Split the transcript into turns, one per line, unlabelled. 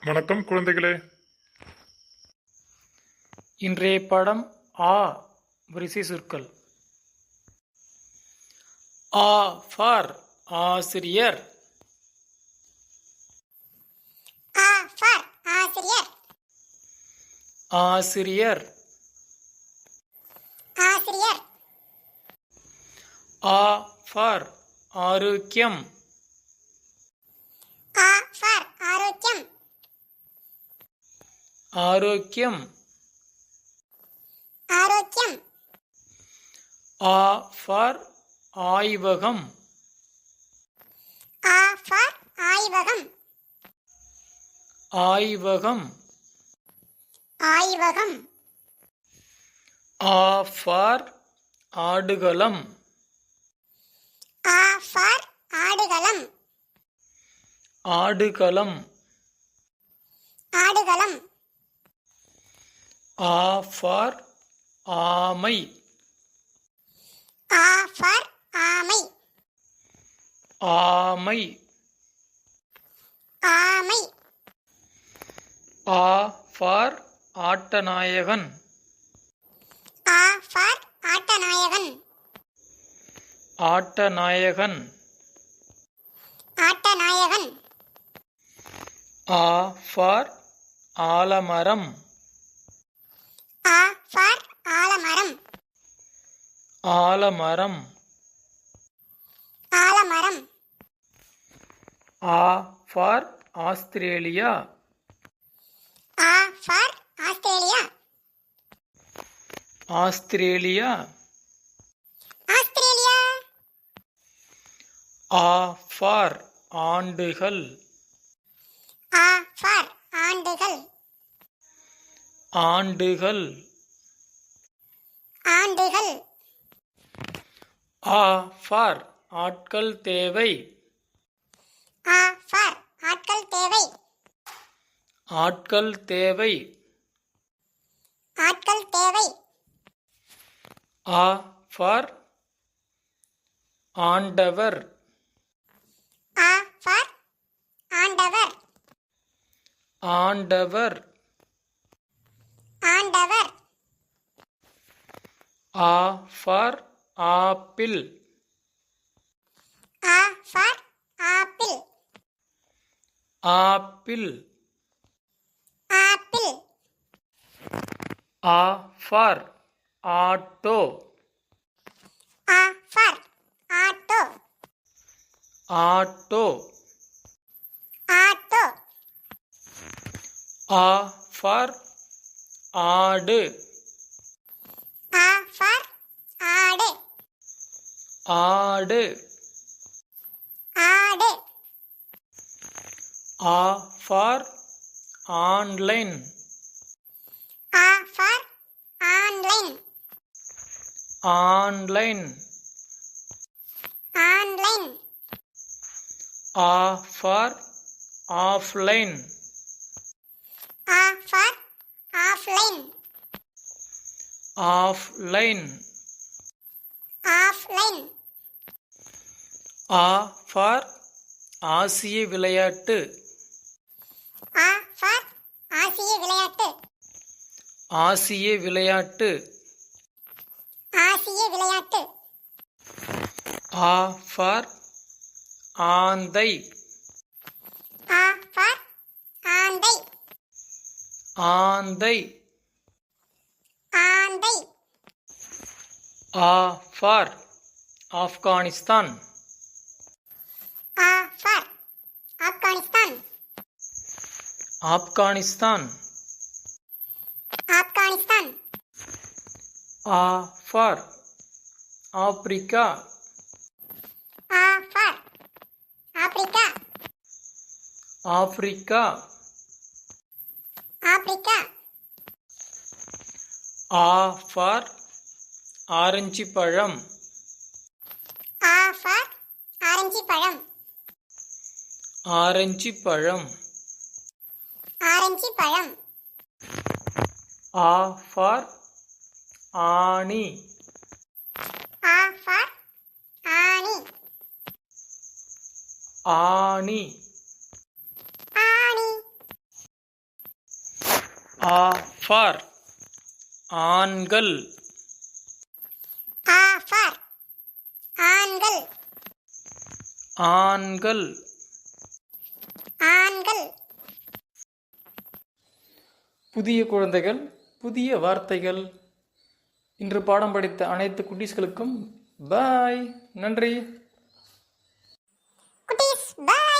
வணக்கம் குழந்தைகளே.
இன்றைய பாடம் ஆ வரிசை சொற்கள். ஆ ஃபார் ஆசிரியர்.
ஆ ஃபார் ஆசிரியர்.
ஆசிரியர்.
ஆசிரியர்.
ஆ ஃபார் ஆரோக்கியம்.
ஆ ஃபார் ஆரோக்கியம்.
ஆரோக்கியம்.
ஆரோக்கியம்.
ஆ ஃபார் ஆய்வகம்.
ஆ ஃபார் ஆய்வகம்.
ஆய்வகம்.
ஆய்வகம்.
ஆ ஃபார் ஆடுகளம்.
ஆ ஃபார் ஆடுகளம்.
ஆடுகளம்.
ஆடுகளம்.
ஆ ஃபார் ஆமை.
ஆ ஃபார் ஆமை.
ஆமை.
ஆமை.
ஆ ஃபார் ஆட்டநாயகன்.
ஆ ஃபார் ஆட்டநாயகன்.
ஆட்டநாயகன்.
ஆட்டநாயகன்.
ஆ ஃபார் ஆலமரம்.
ஆ ஃபார் ஆலமரம்.
ஆலமரம்.
ஆலமரம்.
ஆ ஃபார் ஆஸ்திரேலியா.
ஆ ஃபார் ஆஸ்திரேலியா.
ஆஸ்திரேலியா.
ஆஸ்திரேலியா.
ஆ ஃபார் ஆண்டுகள்.
ஆ ஃபார் ஆண்டுகள்.
ஆண்டுகள்.
ஆண்டுகள்.
ஆ ஃபார் ஆட்கள் தேவை.
ஆ ஃபார் ஆட்கள் தேவை.
ஆட்கள் தேவை.
ஆட்கள் தேவை.
ஆ ஃபார் ஆண்டவர்.
ஆ ஃபார் ஆண்டவர்.
ஆண்டவர்.
ஆண்டவர்.
ஆ ஃபார் ஆப்பிள்.
ஆ ஃபார் ஆப்பிள்.
ஆப்பிள்.
ஆப்பிள்.
ஆ ஃபார் ஆட்டோ.
ஆ ஃபார் ஆட்டோ.
ஆட்டோ.
ஆட்டோ.
ஆ ஃபார் ஆடு.
ஆ ஃபார் ஆடு.
ஆடு.
ஆடு.
ஆ ஃபார் ஆன்லைன்.
ஆ ஃபார் ஆன்லைன்.
ஆன்லைன்.
ஆன்லைன்.
ஆ ஃபார் ஆஃப்லைன்.
ஆ ஃபார் ஆஃப்லைன்.
ஆஃப்லைன்.
ஆஃப்லைன்.
ஆ ஃபார் ஆசிய விளையாட்டு.
ஆ ஃபார் ஆசிய விளையாட்டு.
ஆசிய விளையாட்டு.
ஆசிய விளையாட்டு.
ஆ ஃபார் ஆந்தை.
ஆ ஃபார் ஆந்தை.
ஆந்தை.
ஆந்தை.
ஆ ஃபார் ஆப்கானிஸ்தான்.
ஆ ஃபார் ஆப்கானிஸ்தான்.
ஆப்கானிஸ்தான்.
ஆப்கானிஸ்தான்.
ஆ ஃபார் ஆப்பிரிக்கா.
ஆ ஃபார் ஆப்பிரிக்கா.
ஆப்பிரிக்கா.
ஆப்பிரிக்கா.
ஆ ஃபார் ஆரஞ்சு பழம்.
ஆ ஃபார் ஆரஞ்சு பழம்.
ஆரஞ்சு பழம்.
ஆரஞ்சு பழம்.
ஆ ஃபார் ஆணி.
ஆ ஃபார் ஆணி.
ஆணி. ஆ ஃபார் ஆண்கள்.
ஆ ஃபார் ஆண்கள்.
ஆண்கள்.
ஆண்கள்.
புதிய குழந்தைகள், புதிய வார்த்தைகள். இன்று பாடம் படித்த அனைத்து குட்டீஸ்களுக்கும் பாய். நன்றி.
குட்டீஸ் பை.